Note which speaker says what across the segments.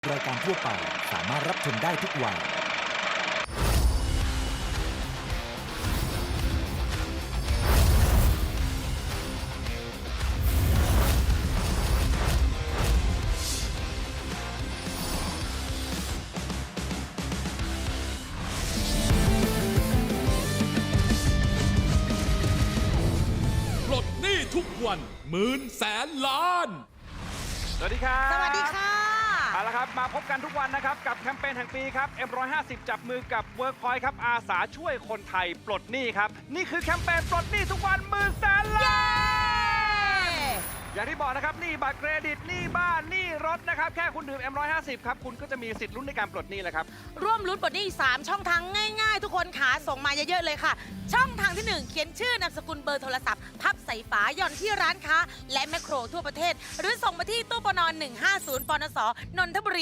Speaker 1: รายการทั่วไปสามารถรับชมได้ทุกวัย
Speaker 2: ปลดหนี้ทุกวันหมื่นแสนล้าน
Speaker 3: สวัสดีครับ
Speaker 4: สวัสดีค่ะ
Speaker 3: เอาละครับมาพบกันทุกวันนะครับกับแคมเปญแห่งปีครับ M150 จับมือกับ Workpoint ครับอาสาช่วยคนไทยปลดหนี้ครับนี่คือแคมเปญปลดหนี้ทุกวันหมื่นแสนล้านอย่างที่บอกนะครับหนี้บัตรเครดิตหนี้บ้านหนี้รถนะครับแค่คุณดื่ม M150 ครับคุณก็จะมีสิทธิ์ลุ้นในการปลดหนี้แล้วครับ
Speaker 4: ร่วมลุ้นปลดหนี้3ช่องทางง่ายๆ ทุกคนขาส่งมาเยอะๆเลยค่ะ ช่องทางที่ 1 เขียนชื่อนามสกุลเบอร์โทรศัพท์พับใส่ฝาหย่อนที่ร้านค้า และแมคโครทั่วประเทศ หรือส่งมาที่ตู้ปน150ปนสนนทบุรี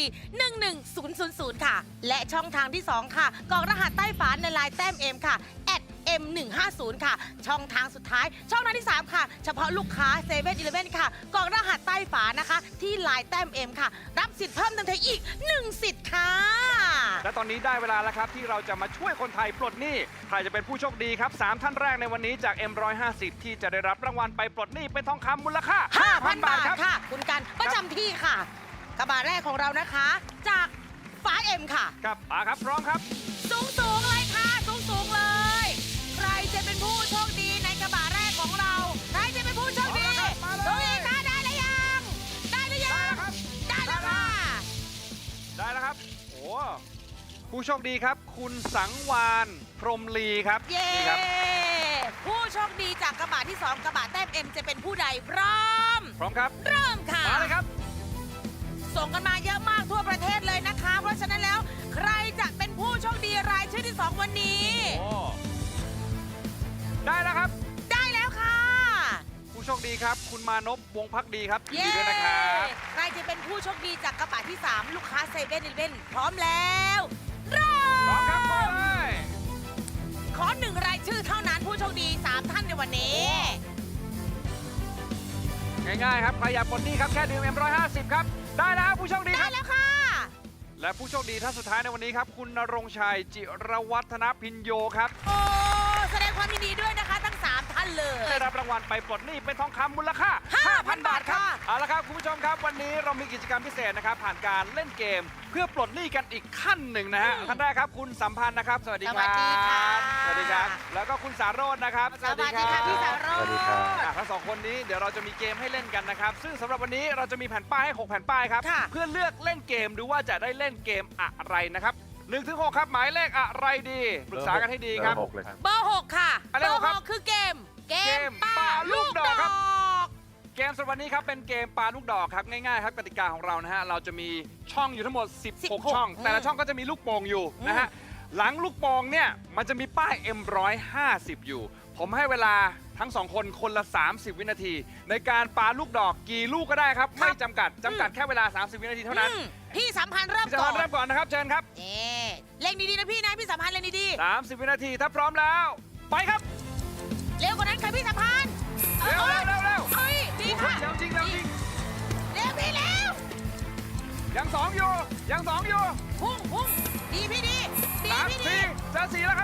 Speaker 4: 11000 ค่ะ และช่องทางที่ 2 ค่ะกรอกรหัสใต้ฝาในลายแต้มเอ็มค่ะM150 ค่ะช่องทางสุดท้าย ช่องทางที่ 3 ค่ะ เฉพาะลูกค้า7 e เ e ่ e อค่ะกรอกรหัสใต้ฝานะคะ ที่ลายแต้มเอ็มค่ะ รับสิทธิ์เพิ่มเติมอีก1สิทธิ์ค่ะ
Speaker 3: และตอนนี้ได้เวลาแล้วครับที่เราจะมาช่วยคนไทยปลดหนี้ใครจะเป็นผู้โชคดีครับ3ท่านแรกในวันนี้จาก M150 ที่จะได้รับรางวัลไปปลดหนี้เป็นทองคำมูลค่า
Speaker 4: 5,000 บาทค่ะ คุณกันประจำที่ค่ะ กระบะแรกของเรานะคะ จากฟ้าเอ็มค่ะ
Speaker 3: ครับมาครับพร้อมครับ
Speaker 4: สูงเลยค่ะ สูงเลย ใครจะเป็นผู้โชคดีในกระบะแรกของเรา ใครจะเป็นผู้โชคดี
Speaker 3: มาเลย
Speaker 4: ตัวเองค่ะได้หรือยัง ได้หรือยัง ได้แล้วค่ะ
Speaker 3: ได้แล้วครับโอ้ผู้โชคดีครับ คุณสังวานพรหมลีครับ
Speaker 4: เย้
Speaker 3: นี่ครับ
Speaker 4: ผู้โชคดีจากกระบะที่ 2 กระบะแต้มเอ็มจะเป็นผู้ใดพร้อม
Speaker 3: พร้อมครับ
Speaker 4: เริ่มค่ะ
Speaker 3: มาเลยครับ
Speaker 4: ส่งกันมาเยอะมากทั่วประเทศเลยนะคะ เพราะฉะนั้นแล้วใครจะเป็นผู้โชคดีรายชื่อที่ 2 วันนี้
Speaker 3: โอ้ได้แล้วครับ
Speaker 4: ได้แล้วค่ะ
Speaker 3: ผู้โชคดีครับ คุณมานพวงศ์พักดีครับยิน
Speaker 4: เย้
Speaker 3: ดีด้วยนะครับ
Speaker 4: ใครจะเป็นผู้โชคดีจากกระบะที่ 3 ลูกค้า7 e เ e ่ e พร้อมแล้วเริ่
Speaker 3: พร้อมครับไป
Speaker 4: ม
Speaker 3: เลย
Speaker 4: ขอ1รายชื่อเท่านั้นผู้โชคดี 3 ท่านในวันนี้
Speaker 3: ง่ายๆครับใครอยากปลดหนี้ครับแค่ดื่ม M150 ครับได้แล้วครับผู้โชคดีค
Speaker 4: ได้
Speaker 3: รับ
Speaker 4: แล้วค่ะ
Speaker 3: และผู้โชคดีท่านสุดท้ายในวันนี้ครับคุณณรงค์ชัยจิรวัฒนพินโยครับ
Speaker 4: โอ้แสดงความยินดีด้วยนะคะทั้ง 3 ท่านเลย
Speaker 3: ได้รับรางวัลไปปลดหนี้เป็นทองคำมูลค่า
Speaker 4: 5,000 บาทค่ะ
Speaker 3: เอาละครับคุณผู้ชมครับวันนี้เรามีกิจกรรมพิเศษนะครับผ่านการเล่นเกม เพื่อปลดหนี้กันอีกขั้นหนึ่งนะฮะท่านแรกครับคุณสัมพันธ์นะครับสวัสดีครับ
Speaker 4: สวัสดีค่ะ
Speaker 3: สวัสดีครับ แล้วก็คุณสารโรจน์นะครับ
Speaker 4: สวัสดีค่ะพี่สารโรจน์
Speaker 3: ทั้งสองคนนี้เดี๋ยวเราจะมีเกมให้เล่นกันนะครับซึ่งสำหรับวันนี้เราจะมีแผ่นป้ายให้6แผ่นป้ายครับ
Speaker 4: ค่ะ
Speaker 3: เพื่อเลือกเล่นเกมดูว่าจะได้เล่นเกมอะไรนะครับ1 ถึง 6ครับหมายเลขอะไรดีปรึกษากันให้ดีครับ
Speaker 5: เบอร์ 6เลยครับ
Speaker 4: เบอร์ 6 ค่ะ
Speaker 3: อะไร
Speaker 4: เบอร์
Speaker 3: ครับ
Speaker 4: 6 คือเกม
Speaker 3: เกมปาลูกดอกครับ
Speaker 4: ก
Speaker 3: เกมสำหรับวันนี้ครับเป็นเกมปลาลูกดอกครับง่ายๆครับกติกาของเรานะฮะเราจะมีช่องอยู่ทั้งหมด 16 ช่อง แต่ละช่องก็จะมีลูกโป่งอยู่นะฮะหลังลูกโป่งเนี่ยมันจะมีป้าย M150 อยู่ ผมให้เวลาทั้ง 2 คนคนละ 30 วินาที ในการปาลูกดอกกี่ลูกก็ได้ครับ ไม่จำกัดแค่เวลา 30 วินาทีเท่านั้น
Speaker 4: พี่สัมพันธ์เริ่ม
Speaker 3: พี่ส
Speaker 4: ก่
Speaker 3: มา
Speaker 4: อน
Speaker 3: ร์ทเริ่มก่อนนะครับเชิญครับ
Speaker 4: นี่เล่งดีๆนะพี่นะพี่สัมพันธ์เล่งดี
Speaker 3: 30 วินาทีถ้าพร้อมแล้ว ไปครับ
Speaker 4: ๆเร็วกว่านั้นค่ะพี่สัมพันธ์
Speaker 3: เร็วเร็วเร็วเร็ว
Speaker 4: เอ้ยดีค่ะ
Speaker 3: เร็วจริงเร็วจริง
Speaker 4: เร็วพี่เร็ว
Speaker 3: ยังสองอยู่ยังสองอยู่
Speaker 4: พุ่งดีพี่ดี
Speaker 3: สาม
Speaker 4: พี่ดี
Speaker 3: สี่จะสี่แล้วครับ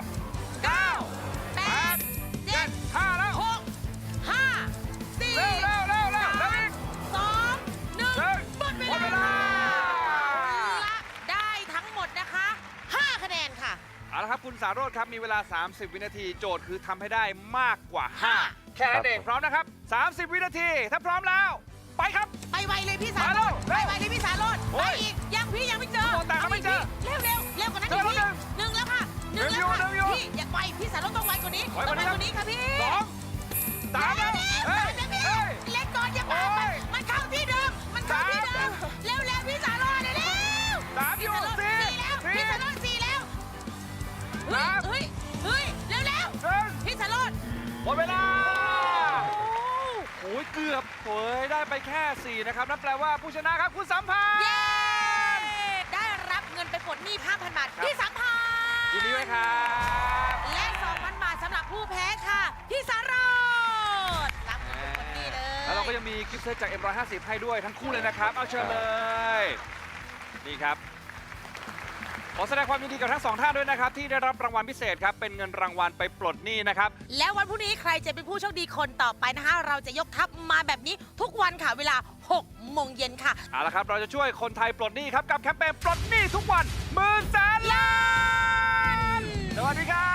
Speaker 4: 8 7
Speaker 3: 5แล้ว
Speaker 4: 6 5 4
Speaker 3: เร็วเร็วเร็วเร็วเร็วอีก
Speaker 4: 2
Speaker 3: เร็ว
Speaker 4: 1หมด
Speaker 3: หมดเวลา
Speaker 4: ละได้ทั้งหมดนะคะ 5 คะแนนค่ะ
Speaker 3: เอาละครับคุณสารโรจน์ครับมีเวลา 30 วินาทีโจทย์คือทำให้ได้มากกว่า
Speaker 4: ห้า
Speaker 3: 5 แค่นั้นเองพร้อมนะครับ 30 วินาทีถ้าพร้อมแล้ว ไปครับ
Speaker 4: ไปไวเลยพี่สาร
Speaker 3: มา
Speaker 4: โร
Speaker 3: เร็ว
Speaker 4: ดไปไวเลยพี่สารโรด
Speaker 3: โอ้
Speaker 4: ไป
Speaker 3: ย
Speaker 4: อีกยังพี่ยังไม่เจอ
Speaker 3: โอ้แต่ก็ไม่เจอ
Speaker 4: เร็วกว่านั้น
Speaker 3: เจอ
Speaker 4: อีก
Speaker 3: แล้ว
Speaker 4: พี่หนึ่งแล้วค่ะหนึ่ง
Speaker 3: หนึ่
Speaker 4: แล้ว
Speaker 3: งอยู่
Speaker 4: ค่ะพี่อย่าไวพี่สารโรดต้องไวกว่านี้
Speaker 3: ไวก
Speaker 4: ต้อ
Speaker 3: ว่าง นี้
Speaker 4: ไวกว่านี้ค่ะพี่
Speaker 3: สองสามแล้ว
Speaker 4: เร็ว
Speaker 3: เฮ้ย
Speaker 4: พี่
Speaker 3: เฮ้ย
Speaker 4: เล็กก่อนอย่าปา
Speaker 3: โอ้ย
Speaker 4: มันเข้าที่เดิมมันเข้าที่เดิมเร็วพี่สารโรดเร็ว
Speaker 3: สามอยู่
Speaker 4: พี่สารโรด
Speaker 3: สี่
Speaker 4: สี่แล้ว
Speaker 3: สี่
Speaker 4: พี่สารโรดสี่แล้วเฮ้ยเร็ว
Speaker 3: หนึ่ง
Speaker 4: พี่สารโรด
Speaker 3: หมดเวลาโอ้ยเกือบโอ้ยได้ไปแค่ 4 นะครับนั่นแปลว่าผู้ชนะครับคุณสัมพันธ์
Speaker 4: เย้ได้รับเงินไปปลดหนี้ 5,000 บาท
Speaker 3: ครับ
Speaker 4: พี่สัมพันธ์
Speaker 3: ยินดีด้วยครับ
Speaker 4: และ 2,000 บาทสำหรับผู้แพ้ค่ะ พี่สารดรับเงินไปปลดหนี้เลย
Speaker 3: แล้วเราก็ยังมีกิฟต์เซตจาก M150 ให้ด้วยทั้งคู่เลยนะครับ เอาเชิญเลยนี่ครับขอแสดงความยินดีกับทั้งสองท่านด้วยนะครับที่ได้รับรางวัลพิเศษครับเป็นเงินรางวัลไปปลดหนี้นะครับ
Speaker 4: แล้ววันพรุ่งนี้ใครจะเป็นผู้โชคดีคนต่อไปนะคะ เราจะยกทัพมาแบบนี้ทุกวันค่ะเวลา 6 โมงเย็นค่ะ
Speaker 3: เอาละครับเราจะช่วยคนไทยปลดหนี้ครับกับแคมเปญปลดหนี้ทุกวัน10,000,000 ล้าน สวัสดีครับ